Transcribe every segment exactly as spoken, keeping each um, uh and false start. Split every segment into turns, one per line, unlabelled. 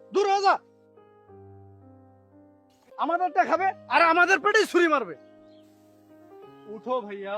দূর হয়ে যা। আমাদেরটা খাবে আর আমাদের পেটেই ছুরি মারবে।
উঠো ভাইয়া।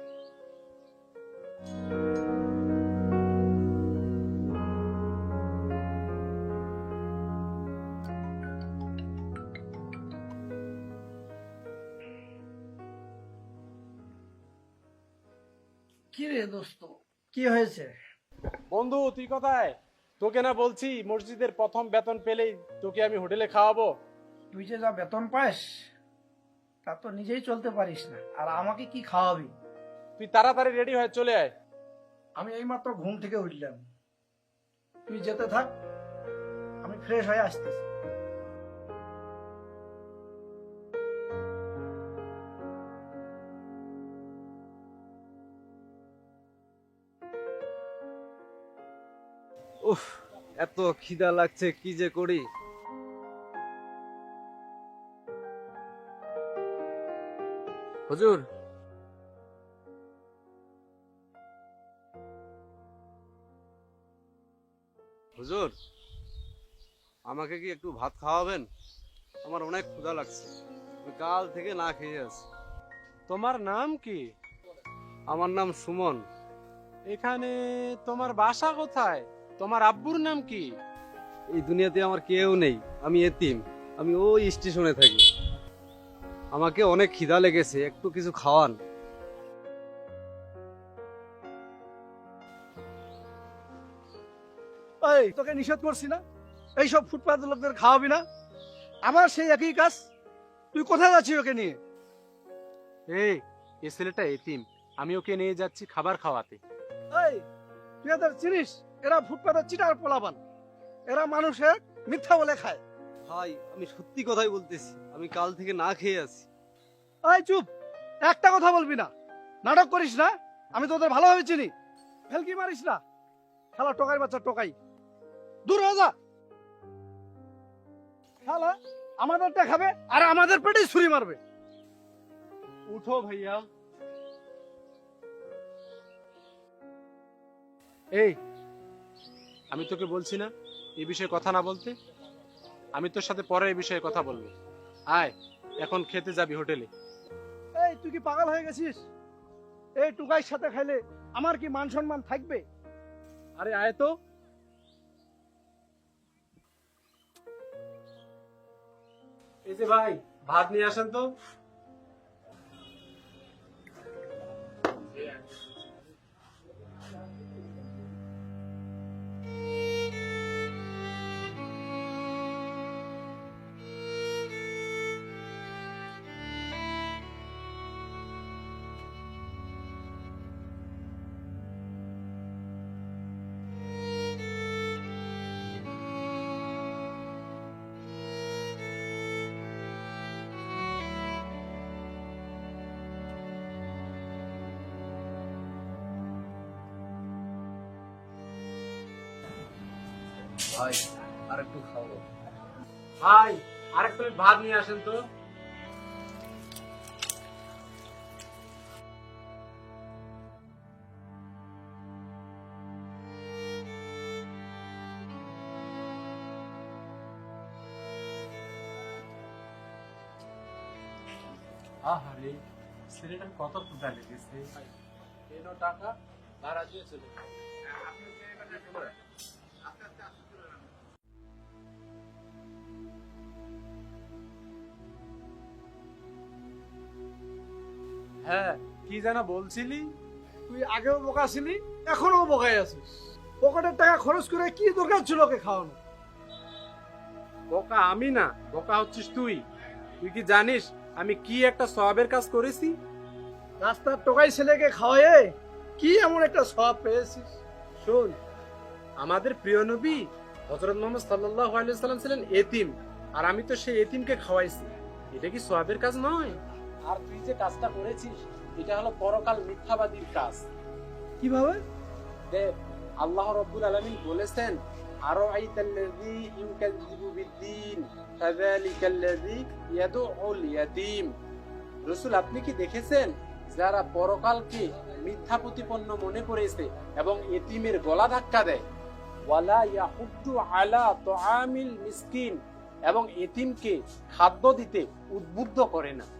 কি রে দোস্ত, কি হয়েছে?
বন্ধু তুই কোথায়? তোকে না বলছি মসজিদের প্রথম বেতন পেলেই তোকে আমি হোটেলে খাওয়াবো।
তুই যে যা বেতন পাস তা তো নিজেই চলতে পারিস না, আর আমাকে কি খাওয়াবি?
তুই তাড়াতাড়ি রেডি হয়ে চলে আয়।
আমি এইমাত্র ঘুম থেকে উঠলাম, তুই যেতে থাক, আমি ফ্রেশ হয়ে আসতেছি।
উফ, এত খিদা লাগছে, কি যে করি। হুজুর, হুজুর, আমাকে কি একটু ভাত খাওয়াবেন? আমার অনেক ক্ষুধা লাগছে, আমি কাল থেকে না খেয়ে আছি।
তোমার নাম কি?
আমার নাম সুমন।
এখানে তোমার বাসা কোথায়? তোমার আব্বুর নাম কি?
এই দুনিয়াতে আমার কেউ নেই, আমি এতিম। আমি ওই স্টেশনে থাকি। আমাকে অনেক খিদা লেগেছে, একটু কিছু খাওয়ান।
এই, তোকে নিষেধ করছি না এইসব ফুটপাত লোকদের খাওয়াবি না? আমার সেই একই কাজ। তুই কোথায় যাচ্ছিস ওকে নিয়ে?
এই এ ছেলেটা এতিম, আমি ওকে নিয়ে যাচ্ছি খাবার খাওয়াতে।
এই, তুই এদের চিনিস? এরা ফুটপাতের চিটার পোলাপান, এরা মানুষের মিথ্যা বলে খায়।
ভাই, আমি সত্যি কথাই বলতেছি, আমি কাল থেকে না খেয়ে আছি।
এই চুপ, একটা কথা বলবি না, নাটক করিস না। আমি তোদের ভালোভাবে চিনি, ফেলকি মারিস না। খেলা টোকাই বাচ্চা টোকাই, দূর হয়ে যা। খেলা আমাদেরটা খাবে আর আমাদের পেটেই ছুরি মারবে।
উঠো ভাইয়া। এই, আমি তোকে বলছি না এই বিষয়ে কথা না বলতে? আমি তোর সাথে পরে এই বিষয়ে কথা বলবো। আয়, এখন খেতে যাবি হোটেলে।
এই, তুই কি পাগল হয়ে গেছিস? এই টুকাইর সাথে খাইলে আমার কি মান সম্মান থাকবে?
আরে আয় তো। এই যে ভাই, ভাত নিয়ে আসেন তো।
ভাই, আর একটু খাবো।
ভাই, আরেক প্লেট ভাত নিয়ে আসেন তো। আহারে, ছেলেটার কত ক্ষুধা লেগেছে।
এনো টাকা, ভাড়া দিয়ে চলে যাও।
হ্যাঁ, কি যেন বলছিলি?
তুই আগেও বোকা ছিলি, এখনো বোকাই আছিস। পকেটের টাকা খরচ করে কি দরকার ছিল ওকে খাওয়ানো?
বোকা আমি না, বোকা হচ্ছিস তুই। তুই কি জানিস আমি কি একটা সওয়াবের কাজ করেছি?
রাস্তার টোকাই ছেলেকে খাওয়ায়ে কি এমন একটা সওয়াব পেয়েছিস?
শোন, আমাদের প্রিয় নবী হযরত মুহাম্মদ সাল্লাল্লাহু আলাইহি ওয়াসাল্লাম ছিলেন এতিম, আর আমি তো সেই এতিমকে খাওয়াইছি। এটা কি সওয়াবের কাজ নয়? আর তুই যে কাজটা করেছিস এটা হলো পরকাল মিথ্যাবাদীর কাজ।
কিভাবে?
দেখ, আল্লাহ রাব্বুল আলামিন বলেছেন, আরাআইতাল্লাযী ইউকাযযিবু বিদ্দীন ফাযালিকাল্লাযী ইয়াদউল ইয়াতীম। রাসূল, আপনি কি দেখেছেন যারা পরকালকে মিথ্যা প্রতিপন্ন মনে করেছে এবং এতিমের গলা ধাক্কা দেয়? ওয়ালা ইয়াহুদ্দু আলা তুআমিল মিসকিন, এবং এতিমকে খাদ্য দিতে উদ্বুদ্ধ করে না।